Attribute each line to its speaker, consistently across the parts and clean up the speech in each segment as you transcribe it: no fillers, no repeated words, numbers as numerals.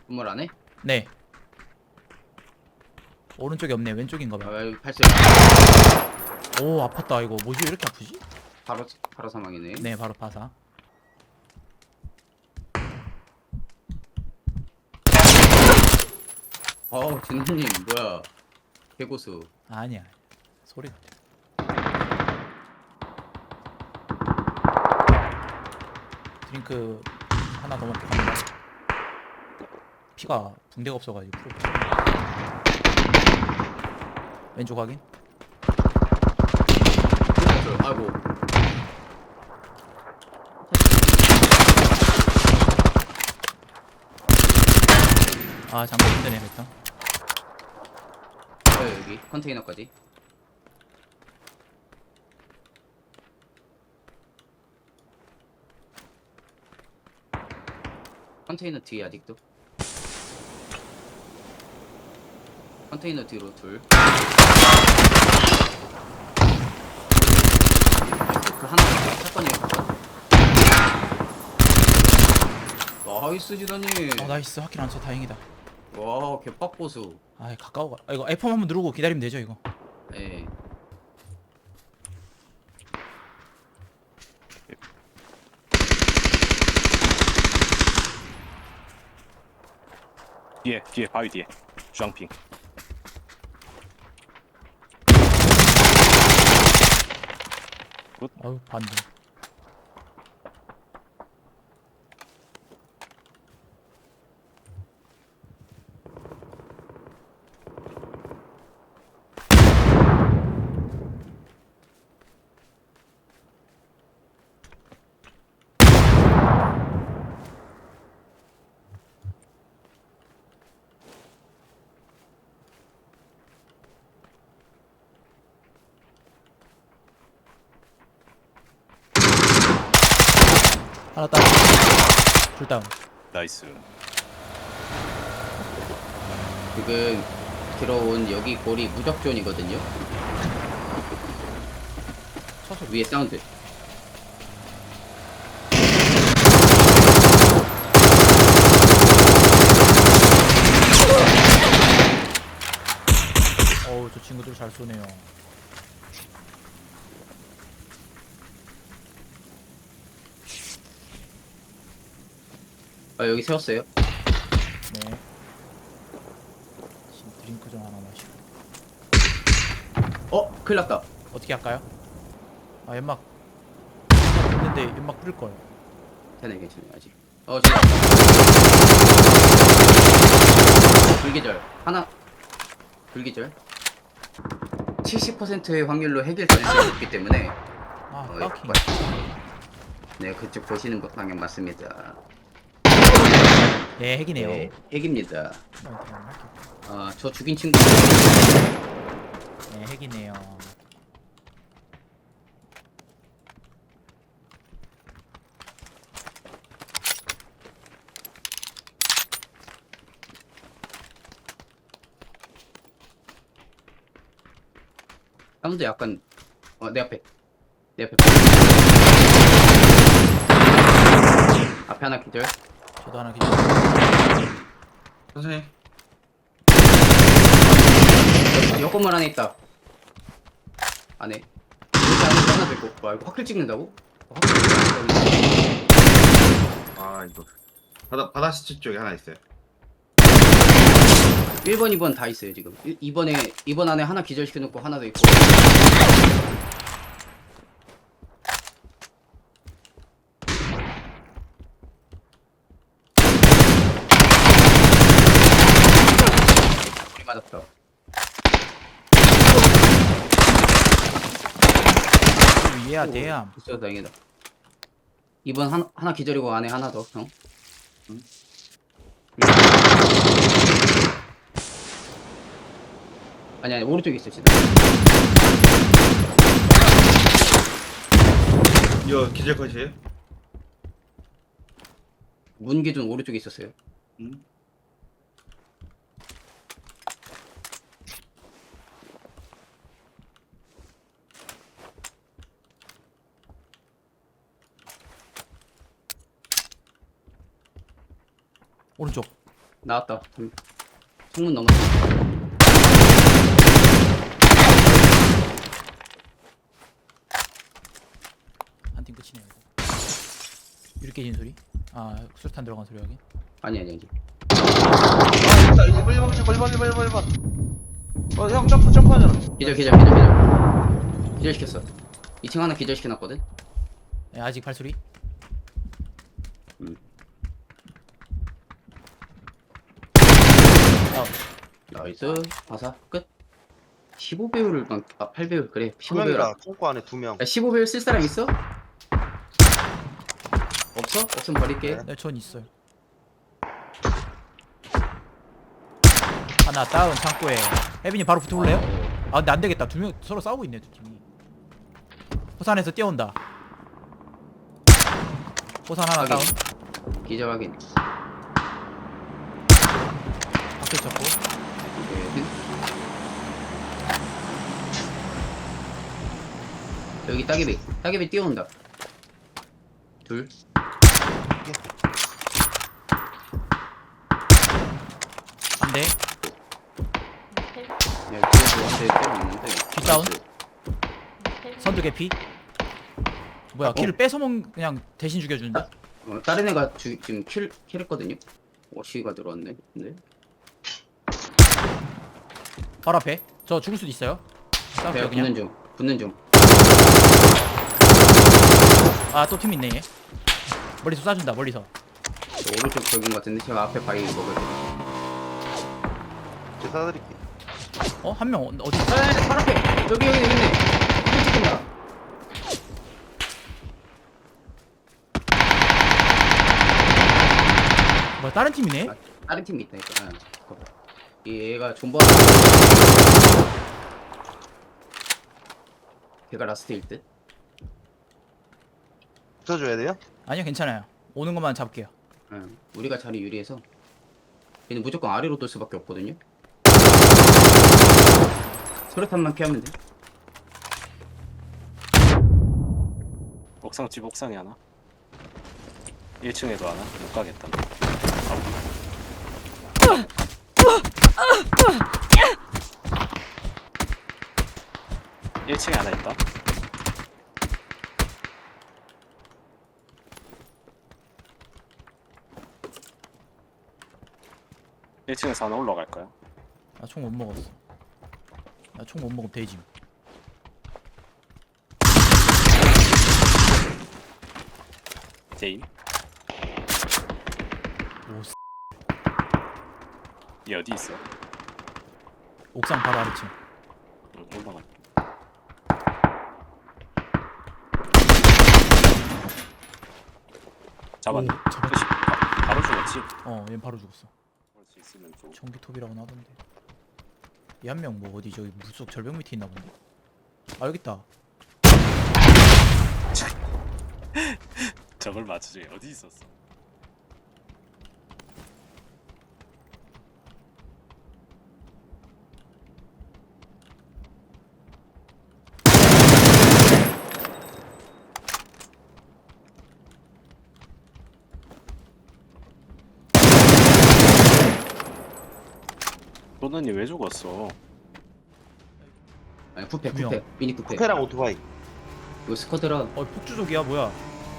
Speaker 1: 건물 안에?
Speaker 2: 네. 오른쪽에 없네. 왼쪽인가
Speaker 1: 아,
Speaker 2: 봐.
Speaker 1: 여기 발소리.
Speaker 2: 오, 아팠다. 이거 뭐지? 왜 이렇게 아프지?
Speaker 1: 바로 사망이네.
Speaker 2: 네, 바로 파사.
Speaker 1: 진우님 뭐야? 개고수.
Speaker 2: 아니야. 소리가. 드링크 하나 더 먹고 갑니다. 피가 붕대가 없어가지고 풀을 거. 왼쪽 확인.
Speaker 1: 아이고.
Speaker 2: 아, 잠깐 힘드네, 일단.
Speaker 1: 여기 컨테이너까지. 컨테이너 뒤에 아직도. 컨테이너 뒤로 둘. 그 하나 사건이에요. 나이스 지단님.
Speaker 2: 나이스. 하킬 안 쳐. 다행이다.
Speaker 1: 와 개빡보수.
Speaker 2: 아, 가까워 가. 이거 F1 한번 누르고 기다리면 되죠, 이거.
Speaker 1: 예.
Speaker 3: 뒤에 바위 뒤에 주황핑.
Speaker 2: 아유, 반대. 하나 다운. 둘 다운.
Speaker 3: 나이스.
Speaker 1: 지금 들어온 여기 골이 무적존이거든요.
Speaker 2: 쳐서
Speaker 1: 위에 사운드.
Speaker 2: 어우, 저 친구들 잘 쏘네요.
Speaker 1: 여기 세웠어요.
Speaker 2: 네. 지금 드링크 좀 하나 마시고.
Speaker 1: 큰일 났다.
Speaker 2: 어떻게 할까요? 아, 연막 있는데 연막 뿌릴 걸.
Speaker 1: 되네, 괜찮아요, 아직. 저. 불기절. 하나. 불기절. 70%의 확률로 해결 가능성이 있기 때문에.
Speaker 2: 아,
Speaker 1: 어,
Speaker 2: 파킹.
Speaker 1: 네, 그쪽 보시는 것 방향 맞습니다.
Speaker 2: 네, 핵이네요.
Speaker 1: 네, 핵입니다.
Speaker 2: 어,
Speaker 1: 저 죽인 친구.
Speaker 2: 네, 핵이네요.
Speaker 1: 사운드 약간, 내 앞에. 내 앞에. 앞에 하나 기절.
Speaker 2: 저도 하나 기절.
Speaker 1: 선생님. 여 건물 안에 있다. 안에. 여기 안에 하나 더 있고. 와, 이거 확킬 찍는다고? 확킬 찍는다고?
Speaker 4: 아 이거 바다 시체 쪽에 하나 있어요.
Speaker 1: 1번, 2번 다 있어요, 지금. 2번 안에 하나 기절시켜놓고 하나 더 있고. 우리 맞았다.
Speaker 2: 위에야, 대암.
Speaker 1: 있어, 다행이다. 2번 하나 기절이고 안에 하나 더, 형. 응? 아니, 오른쪽에 있어, 진짜.
Speaker 4: 이거 기절 컷이에요?
Speaker 1: 문 기준 오른쪽에 있었어요.
Speaker 4: 응.
Speaker 2: 오른쪽.
Speaker 1: 나왔다. 창문 넘었어.
Speaker 2: 한 팀 끝이네 이거. 유리 깨진 소리? 아 수류탄 들어간 소리 여기.
Speaker 1: 아니.
Speaker 4: 아 있다. 1번. 형 점프하잖아.
Speaker 1: 기절시켰어. 2층 하나 기절시켜놨거든.
Speaker 2: 네, 아직 발소리.
Speaker 1: 나이스. 바사 끝. 15배율을 8배율 그래.
Speaker 5: 두
Speaker 1: 15배율.
Speaker 5: 명이라 창고 안에 2명.
Speaker 1: 야, 15배율 쓸 사람 있어? 없어? 없으면 버릴게.
Speaker 5: 네.
Speaker 2: 네, 전 있어요. 하나 다운 창고에. 혜빈이 바로 붙어볼래요? 아 근데 안 되겠다. 2명 서로 싸우고 있네 두 팀이. 호산에서 뛰어온다. 호산 하나
Speaker 1: 확인.
Speaker 2: 다운.
Speaker 1: 기절 확인.
Speaker 2: 밖에 쳤고.
Speaker 1: 네. 여기 따개비 뛰어온다. 둘.
Speaker 2: 안 돼.
Speaker 1: 야, 뒤에서 한대 때리고 있는데.
Speaker 2: 뒷다운?
Speaker 1: 나이스.
Speaker 2: 선두 개피. 뭐야 킬을 뺏어먹 그냥 대신 죽여주는데?
Speaker 1: 다른 애가 지금 킬했거든요. 워시가 들어왔네. 근데
Speaker 2: 바로 앞에. 저 죽을 수도 있어요. 싸울게요
Speaker 1: 내가
Speaker 2: 그냥.
Speaker 1: 붙는 중.
Speaker 2: 아 또 팀 있네 얘. 멀리서 쏴준다 멀리서.
Speaker 1: 저 오른쪽 벽인 것 같은데 제가 앞에 바위 먹을 때.
Speaker 5: 제가 사드릴게.
Speaker 2: 어? 한 명 어디?
Speaker 1: 바로 앞에. 여기 있네. 찍힌다.
Speaker 2: 뭐야 다른 팀이네?
Speaker 1: 다른 팀이 있다니까. 얘가 존버. 걔가 라스트일 듯.
Speaker 5: 붙어줘야 돼요?
Speaker 2: 아니요 괜찮아요. 오는 것만 잡을게요.
Speaker 1: 응. 우리가 자리 유리해서 얘는 무조건 아래로 돌 수밖에 없거든요. 소리탄만 피하면 돼.
Speaker 3: 옥상 집 옥상에 하나. 1층에도 하나. 못 가겠다. 1층에 하나 있다. 일 1층에서 하나 올라갈까요?
Speaker 2: 나 총 못 먹었어. 나 총 못 먹으면 되지.
Speaker 3: 제인.
Speaker 2: 오
Speaker 3: 얘 어디 있어?
Speaker 2: 옥상 바로 아래층.
Speaker 3: 응, 올라가. 잡았네.
Speaker 2: 오, 잡았지.
Speaker 3: 그치? 바로 죽었지?
Speaker 2: 얘 바로 죽었어.
Speaker 3: 볼 수 있으면 좀.
Speaker 2: 전기톱이라고 나본데. 얘 한 명 뭐 어디 저기 물속 절벽 밑에 있나 본데. 아 여기 있다.
Speaker 3: 저걸 맞추지. 어디 있었어? 도너님 왜 죽었어?
Speaker 1: 아니 쿠페
Speaker 2: 두 명.
Speaker 1: 미니 쿠페.
Speaker 5: 쿠페랑 오토바이.
Speaker 1: 이거 스쿼드라
Speaker 2: 폭주족이야 뭐야?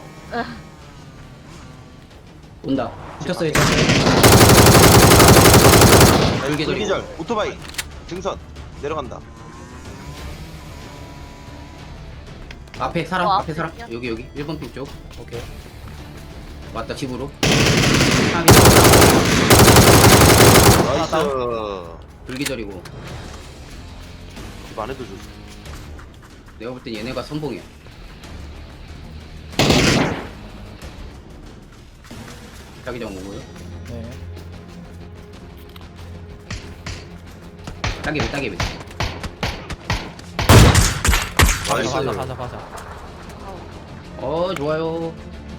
Speaker 1: 온다. 붙였어요. 불기절.
Speaker 5: 불기절. 오토바이. 등선. 내려간다.
Speaker 1: 앞에 사람.
Speaker 6: 어,
Speaker 1: 앞에 사람.
Speaker 6: 앞에
Speaker 1: 여기 1번 핀 쪽.
Speaker 2: 오케이.
Speaker 1: 왔다 집으로.
Speaker 5: 나이스.
Speaker 1: 불기절이고.
Speaker 5: 집 안에도 줘.
Speaker 1: 내가 볼 땐 얘네가 선봉이야. 자기장 오고요.
Speaker 2: 네.
Speaker 1: 따개비.
Speaker 5: 나이스.
Speaker 2: 바사.
Speaker 1: 좋아요.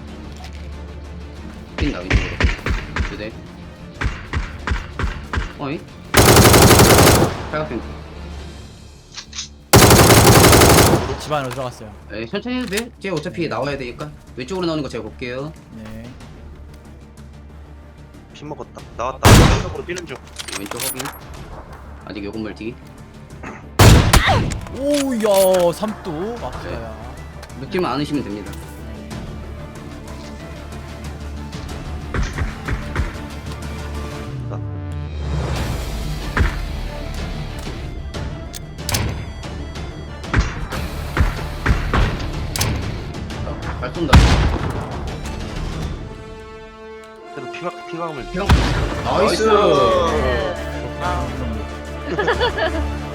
Speaker 1: 뛴다 왼쪽으로. 두대. 어이? 팔각형.
Speaker 2: 집 안으로 들어갔어요.
Speaker 1: 에 천천히 해도 돼. 쟤 어차피 나와야 되니까 왼쪽으로 나오는 거 제가 볼게요.
Speaker 2: 네.
Speaker 5: 킴 먹었다. 나왔다. 왼쪽으로 뛰는 중.
Speaker 1: 왼쪽 확인. 아직 요 건물 뒤.
Speaker 2: 오야 삼도 막자야.
Speaker 1: 눕지만 않으시면 됩니다. 잘 쏜다.
Speaker 5: 그래도 피감을
Speaker 1: 나이스.
Speaker 6: 아.